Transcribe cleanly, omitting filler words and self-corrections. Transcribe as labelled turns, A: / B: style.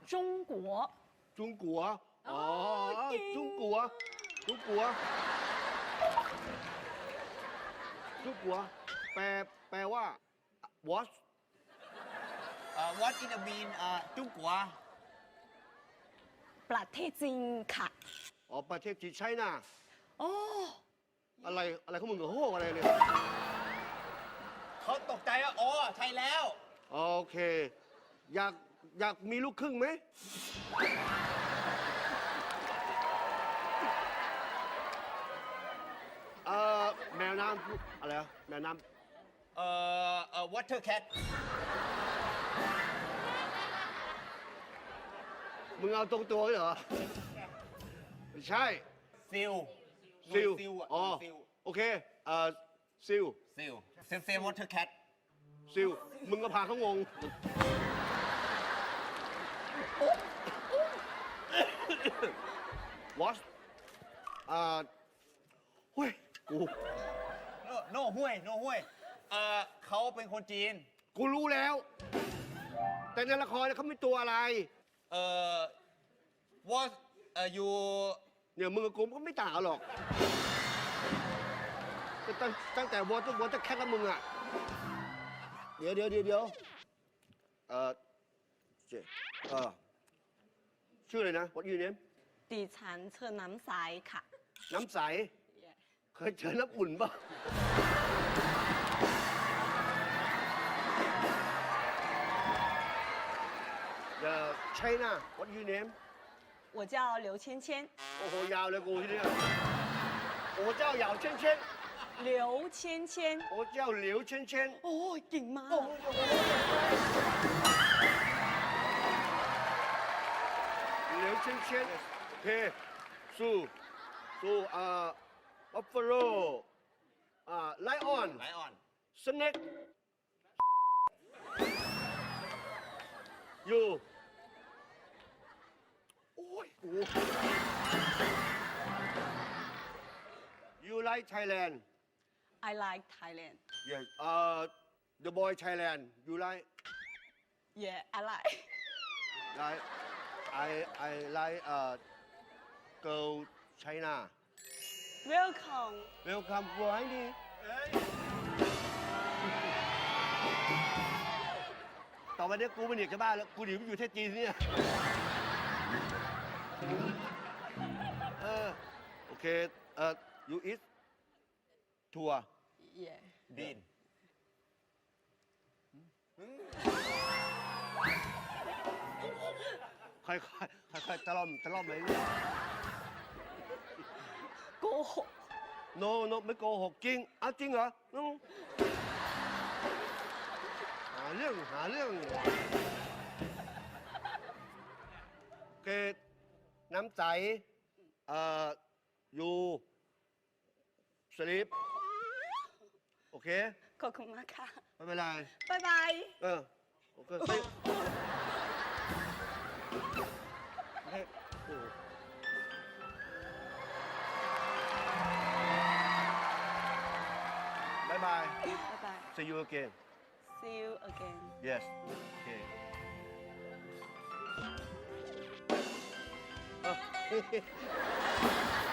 A: 中国。
B: 中国อ๋อ
A: เก่ง
B: 中国中国中国แปลว่า what
C: What in the mean จุ้งกัว
A: ประเทศจีนค่ะ
B: อ๋อประเทศจีนใช่น่ะ
A: โอ้
B: อะไรของมึงเหรอโหอะไรเนี่ย
C: เขาตกใจว่าอ๋อใช่แล้ว
B: โอเค อยากมีลูกครึ่งไหมแมวน้ำอะไรอะแมวน้
C: Water cat
B: ำมึงเอาตรงตัวเหรอไม่ใช่
C: ซิล
B: ซิล
C: ซิล
B: อ๋อ
C: ซิล
B: โอเคซิล
C: ซิลเซล Water cat
B: ซิลมึงก็พาเขางง what เฮ้ยกู
C: โน่ห้วยเขาเป็นคนจีน
B: กูรู้แล้ว แต่ในละครเนี่ยเขาไม่ตัวอะไร
C: was you
B: เนี่ยมึงกับกูก็ไม่ต่างกันหรอกแต่ตั้งแต่วอเตอร์แคทแล้วมึงอ่ะ เดี๋ยวเจ๊ชื่ออะไรนะ What your name
A: ดิฉันเชิญน้ำใสค่ะ
B: น้ำใส เคยเจอน้ำอุ่นป่ะ China What your name
A: 我叫刘芊芊。
B: โอ้โห ยาวเลยกูที่เนี่ยโอ้เจ้าเหยาวเช่น
A: 刘芊芊。
B: โอ้เจ้าเหลียวเช่น
A: โอ้ยเก่งมาก
B: เหลียวเช่นโอเคสู้บัฟฟาโลไลออน
C: ไลออน
B: สเน็กอยู่โอ้ยกู You like Thailand
A: I like Thailand
B: Yes The boy Thailand You like
A: yeah I like
B: like I like girl China
A: welcome
B: Welcome บอยนี่ต่อไปเนี้ยกูไม่หนีจากบ้านแล้ว กูหนีไปอยู่ประเทศจีนเนี่ยโอเคyou eat ทัว
A: yeah
C: บีน
B: ค่อยตะล่อมไปเรื่อย
A: โกหก
B: no ไม่โกหกจริงจริงเหรอหาเรื่องโอเคน้ำใสอยู่สลิปโอเค
A: ขอบคุณมากค่ะ
B: ไม่เป็นไร
A: บ๊ายบาย
B: โอเคเฮ้ยโอ้บายบาย
A: บ๊ายบาย
B: see you again
A: see you again
B: yes okay เ